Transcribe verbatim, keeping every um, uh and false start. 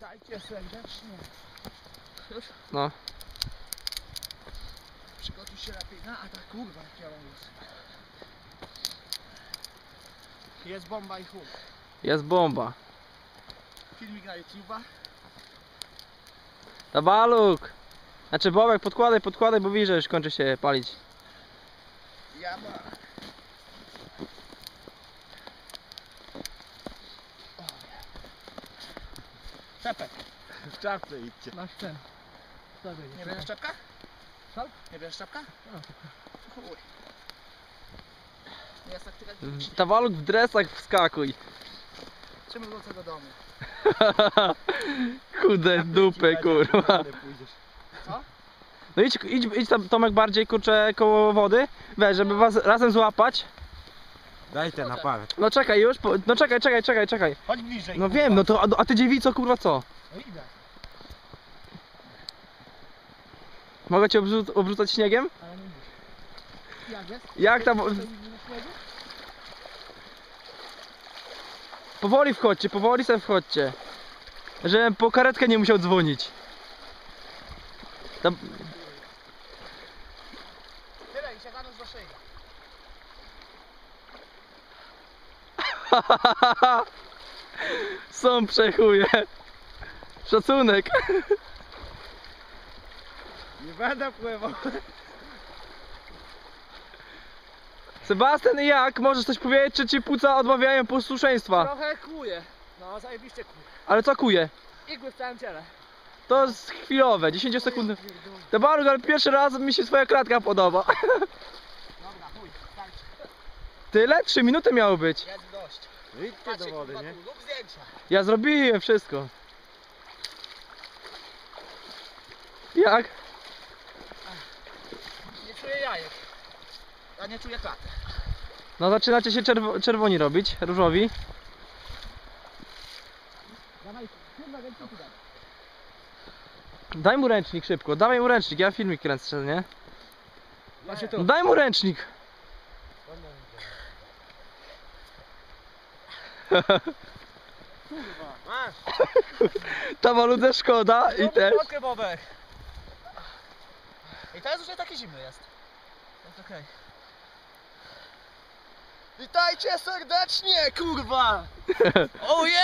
Witajcie serdecznie. Już? No. Przygotuj się lepiej na atak, kurwa, jak ja mam głos. Jest bomba i chuj. Jest bomba. Filmik na YouTube'a. Tabaluk! Znaczy Bobek, podkładaj, podkładaj, bo widzisz, że już kończy się palić. Ja ma. Czepek. W czapce idźcie. Masz ten. Nie bierzesz czapka? Co? Nie bierzesz czapka? Chuj. Jest tak tyle. Tabaluk w dresach wskakuj. Trzymaj do tego domu. Chude dupy, kurwa. Co? No idź, idź, idź tam, Tomek, bardziej, kurczę, koło wody. Weź, żeby was razem złapać. Daj ten aparat. No czekaj już, po, no czekaj, czekaj, czekaj, czekaj. Chodź bliżej. No wiem, no to, a, a ty dziewico, kurwa, co? No idę. Mogę cię obrzu obrzucać śniegiem? Ale nie muszę. Jak jest? Jak tam? Powoli wchodźcie, powoli sobie wchodźcie. Żebym po karetkę nie musiał dzwonić. Tam... Tyle i się zanurz do szyi. Są przechuje. Szacunek. Nie będę pływał. Sebastian, jak? Możesz coś powiedzieć, czy ci płuca odmawiają posłuszeństwa? Trochę kuje. No zajebiście kuje. Ale co kuje? Igły w całym ciele. To jest chwilowe, dziesięć sekund. Tabaluk, ale pierwszy raz mi się twoja kratka podoba. Dobra, chuj, tańczy. Tyle? Trzy minuty miało być. Jest dość. Idźcie do wody, nie? Lub zdjęcia. Ja zrobiłem wszystko. Jak? Nie czuję jajek. Ja nie czuję klaty. No zaczynacie się czerwo czerwoni robić, różowi. Dawaj, kurwa, więcej tu daj. Daj mu ręcznik szybko, dawaj mu ręcznik, ja filmik kręcę, nie? Patrzcie No tu. daj mu ręcznik. Kurwa. Masz. Tabaludze szkoda i też. Fotkę, Bobek. I teraz już nie taki zimny jest. Jest okej. Witajcie serdecznie, kurwa! Oh yeah!